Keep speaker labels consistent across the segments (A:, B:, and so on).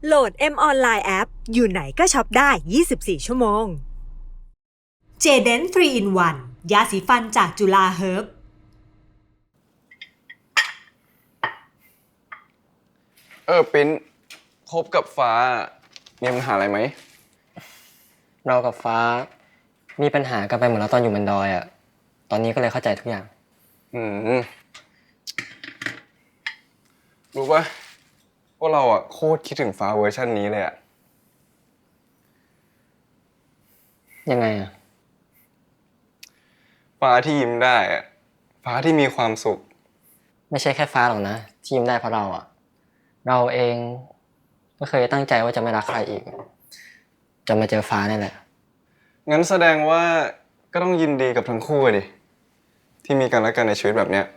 A: โหลด M Online App อยู่ไหนก็ช็อปได้ 24 ชั่วโมง J-Dent 3 in 1 ยาสีฟันจากจุฬาเฮิร์บ
B: ปิ้นคบกับฟ้ามีปัญหาอะไรไหม
C: เรากับฟ้ามีปัญหากันไปหมดแล้วตอนอยู่บนดอยอ่ะตอนนี้ก็เลยเข้าใจทุกอย่าง
B: รู้ป่ะพวกเราอ่ะโคตรคิดถึงฟ้าเวอร์ชันนี้เลยอ่ะ
C: ยังไงอ่ะ
B: ฟ้าที่ยิ้มได้อ่ะฟ้าที่มีความสุข
C: ไม่ใช่แค่ฟ้าหรอกนะที่ยิ้มได้เพราะเราอ่ะเราเองไม่เคยตั้งใจว่าจะไม่รักใครอีกจะมาเจอฟ้านี่แหละ
B: งั้นแสดงว่าก็ต้องยินดีกับทั้งคู่ดิที่มีกันและกันในชีวิตแบบเนี้ย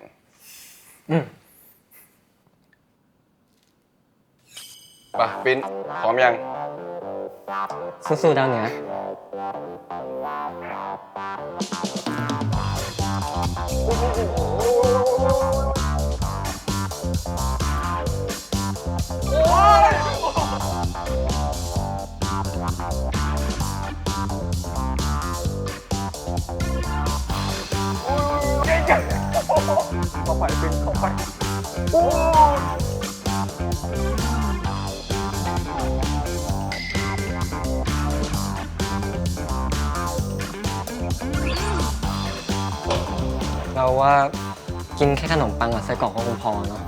B: ป่ะปิ้นพร้อมยัง
C: สู้ๆดาวเหนือ
B: เข้าไปปิ้นเข้าไป
C: เราว่ากินแค่ขนมปังกับไส้กรอกก็คงพอเนาะ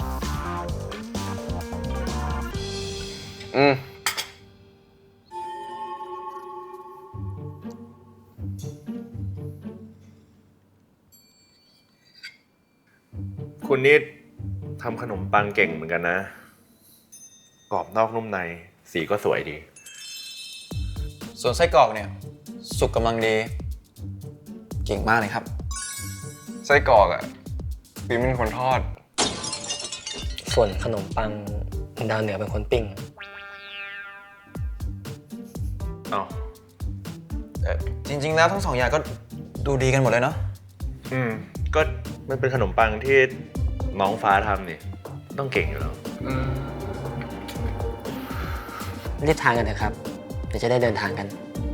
D: คุณนี่ทำขนมปังเก่งเหมือนกันนะกรอบนอกนุ่มในสีก็สวยดี
E: ส่วนไส้กรอกเนี่ยสุกกำลังดีเก่งมากเลยครับ
B: ไส้กรอกอ่ะปิ้นเป็นคนทอด
C: ส่วนขนมปังดาวเหนือเป็นคนปิ้ง
D: อ้าว
E: จริงๆแล้วทั้งสองอย่างก็ดูดีกันหมดเลยเนาะ
D: ก็มันเป็นขนมปังที่น้องฟ้าทำนี่ต้องเก่งอยู่แล้ว
C: รีบทานกันเถอะครับเดี๋ยวจะได้เดินทางกัน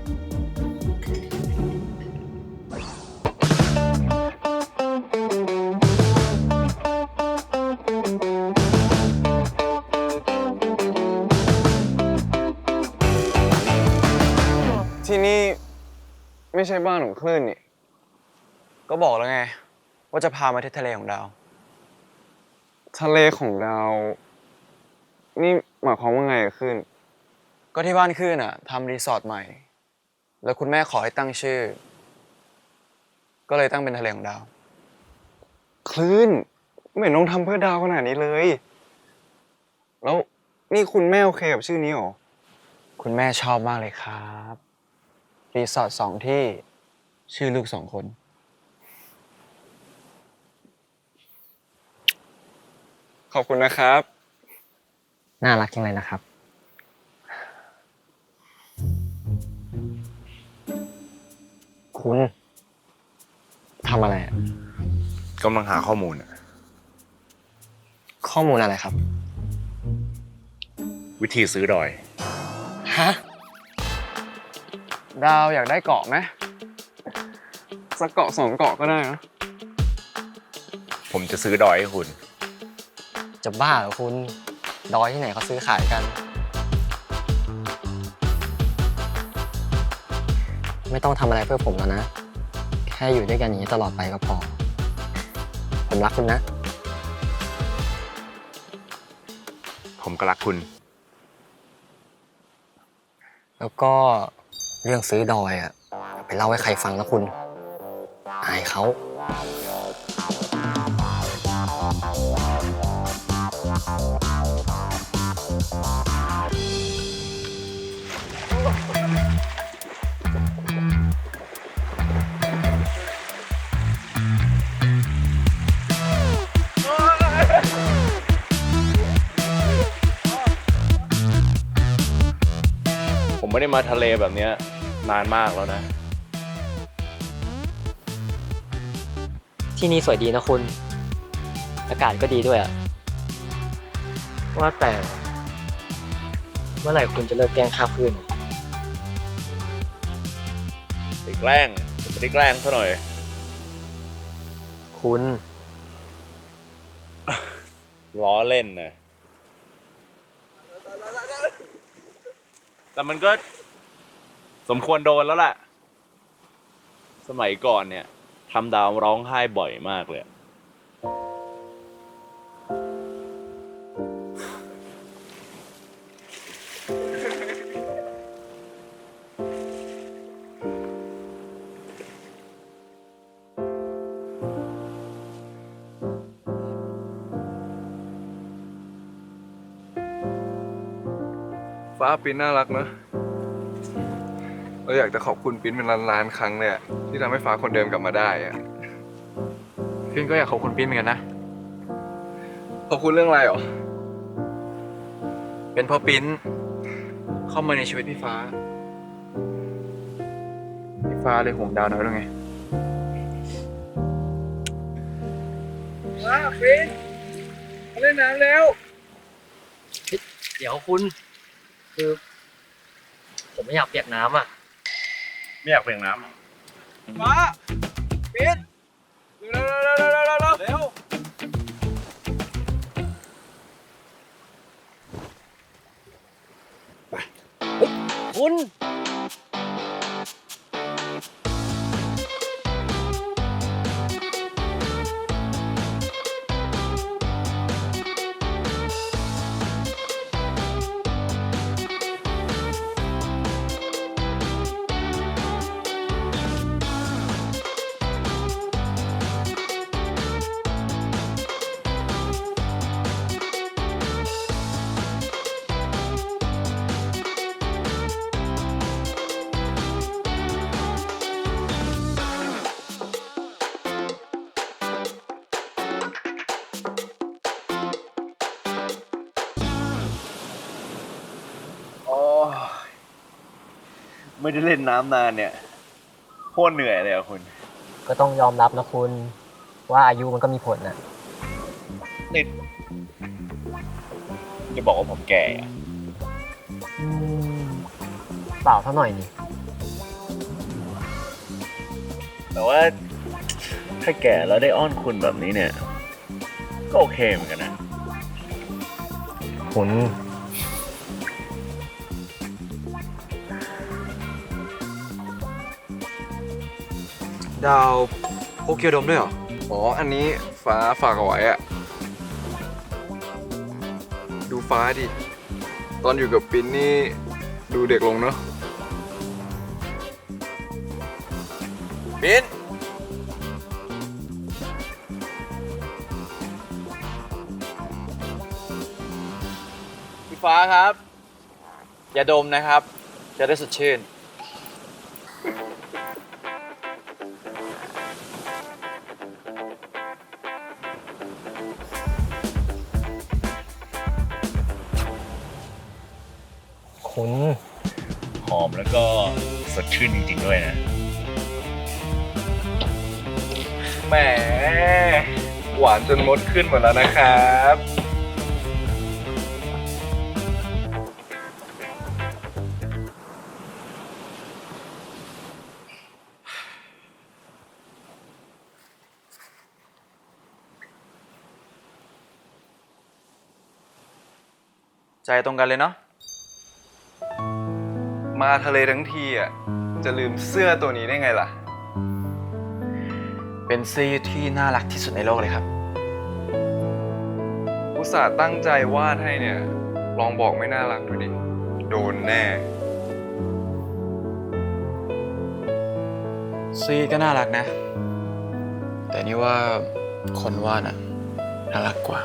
B: ที่นี่ไม่ใช่บ้านของคลื่นนี่
E: ก็บอกแล้วไงว่าจะพามาที่ทะเลของดาว
B: ทะเลของดาวนี่หมายความว่าไงคลื่น
E: ก็ที่บ้านคลื่นอ่ะทำรีสอร์ทใหม่แล้วคุณแม่ขอให้ตั้งชื่อก็เลยตั้งเป็นทะเลของดาว
B: คลื่นไม่เห็นต้องทำเพื่อดาวขนาดนี้เลยแล้วนี่คุณแม่โอเคกับชื่อนี้หรอ
E: คุณแม่ชอบมากเลยครับรีสอร์ท2 ที่ชื่อลูก2 คน
B: ขอบคุณนะครับ
C: น่ารักจังเลยนะครับคุณทำอะไร
D: กำลังหาข้อมูล
C: ข้อมูลอะไรครับ
D: วิธีซื้อดอย
C: ฮะ
E: ดาวอยากได้เกาะไหม
B: สักเกาะ2 เกาะก็ได้นะ
D: ผมจะซื้อดอยให้คุณ
C: จะบ้าเหรอคุณดอยที่ไหนเขาซื้อขายกันไม่ต้องทำอะไรเพื่อผมแล้วนะแค่อยู่ด้วยกันอย่างนี้ตลอดไปก็พอผมรักคุณนะ
D: ผมก็รักคุณ
C: แล้วก็เรื่องซื้อดอยอ่ะไปเล่าให้ใครฟังนะคุณอายเขา
D: ผมไม่ได้มาทะเลแบบนี้นานมากแล้วนะ
C: ที่นี่สวยดีนะคุณอากาศก็ดีด้วยอะว่าแต่เมื่อไหร่คุณจะเลิกแกล้งข้าบขึ้น
D: ไปแกล้งผมไม่ได้แกล้งซะหน่อย
C: คุณ
D: ล้อเล่นนะแต่มันก็สมควรโดนแล้วแหละสมัยก่อนเนี่ยทำดาวร้องไห้บ่อยมากเลย
B: ฟ้าปิ้นน่ารักเนอะเราอยากจะขอบคุณปิ้นเป็นล้านๆครั้งเลยอะที่ทำให้ฟ้าคนเดิมกลับมาได้อะ
E: พี่ก็อยากขอบคุณปิ้นเหมือนกันนะ
B: ขอบคุณเรื่องอะไรหรอ
E: เป็นเพราะปิ้นเข้ามาในชีวิตพี่ฟ้า พี่ฟ้าเลยห่วงดาวน้อยลงไง
B: ว้าปิ้นมาเล่นน้ำแล้ว
C: เดี๋ยวคุณ คือ ผมไม่อยากเปียกน้ำอ่ะ
D: ไม่อยากเปลี่ยนน้ำ
B: ฟ้าปิ้นเร็วเร็วเร็วเร็วเร็วเร็ว
C: คุณ
D: โอ้ยไม่ได้เล่นน้ำนานเนี่ยโคตรเหนื่อยเลยอะคุณ
C: ก็ต้องยอมรับนะคุณ ว่าอายุมันก็มีผลนะ
D: นี่จะบอกว่าผมแก่อะ
C: เปล่าเท่าหน่อยนี่
D: แต่ว่าถ้าแก่แล้วได้อ้อนคุณแบบนี้เนี่ย ก็โอเคเหมือนกันนะ
C: คุณ
E: ดาวโอเกียวดมด้วยเหรอ
B: อ๋อ อันนี้ฟ้าฝากเอาไว้อะดูฟ้าดิ ตอนอยู่กับปิ้นนี่ดูเด็กลงเนอะ
E: ปิ้น พี่ฟ้าครับ อย่าดมนะครับ จะได้สดชื่น
C: คุณ
D: หอมแล้วก็สดชื่นจริงๆด้วยนะ
B: แหม หวานจนมดขึ้นหมดแล้วนะครับ
E: ใจตรงกันเลยเนาะ
B: มาทะเลทั้งทีอ่ะ จะลืมเสื้อตัวนี้ได้ไงล่ะ
E: เป็นเสื้อที่น่ารักที่สุดในโลกเลยครับ
B: อุตส่าห์ตั้งใจวาดให้เนี่ย ลองบอกไม่น่ารักดูดิ โดนแน่
E: ซีก็น่ารักนะ แต่นี่ว่าคนวาดน่ะน่ารักกว่า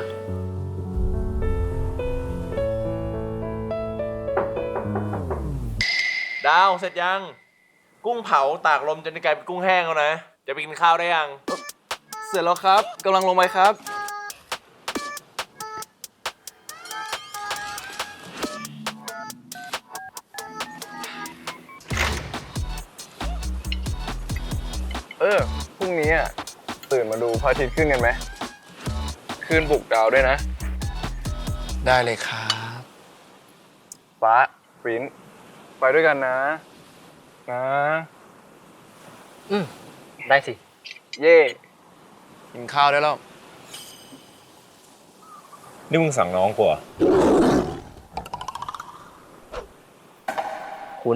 D: ดาวเสร็จยัง กุ้งเผาตากลมจนกลายเป็นกุ้งแห้งแล้วนะ จะไปกินข้าวได้ยัง
B: เสร็จแล้วครับกำลังลงไปครับ พรุ่งนี้อ่ะ ตื่นมาดูพระอาทิตย์ขึ้นกันไหมคืนปลุกดาวด้วยนะ
E: ได้เลยครับ
B: ฟ้าปริ้นไปด้วยกันนะ นะ
C: ได้สิ
B: เย่
E: กินข้าวได้แล้ว
D: นี่มึงสั่งน้องกูเหรอ
C: คุณ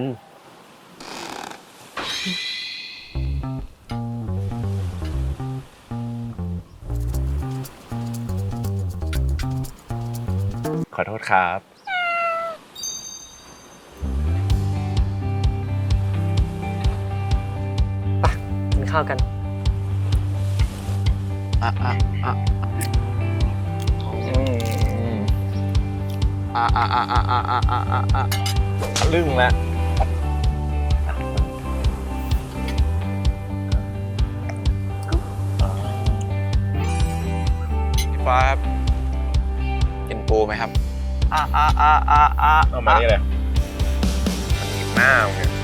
D: ขอโทษครับ
C: กินข้าวกัน
E: อ่ะอ่ะอ่ะ
B: อืม
E: อ่ะอ่ะอ่ะอ่ะอ่ะอ่ะอ่ะอ่ะอ่ะ
D: ทะลึ่งแล้ว
E: พี่ฟ้าครับกินปูไหมครับอ่ะอ่ะอ่ะอ่ะอ่ะ
D: เอามานี่เลยหยิบหน้ามึงเนี่ย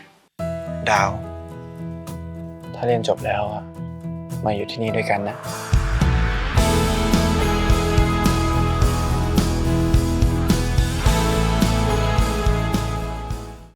E: ดาว ถ้าเรียนจบแล้วอะมาอยู่ที่นี่ด้วยกันนะ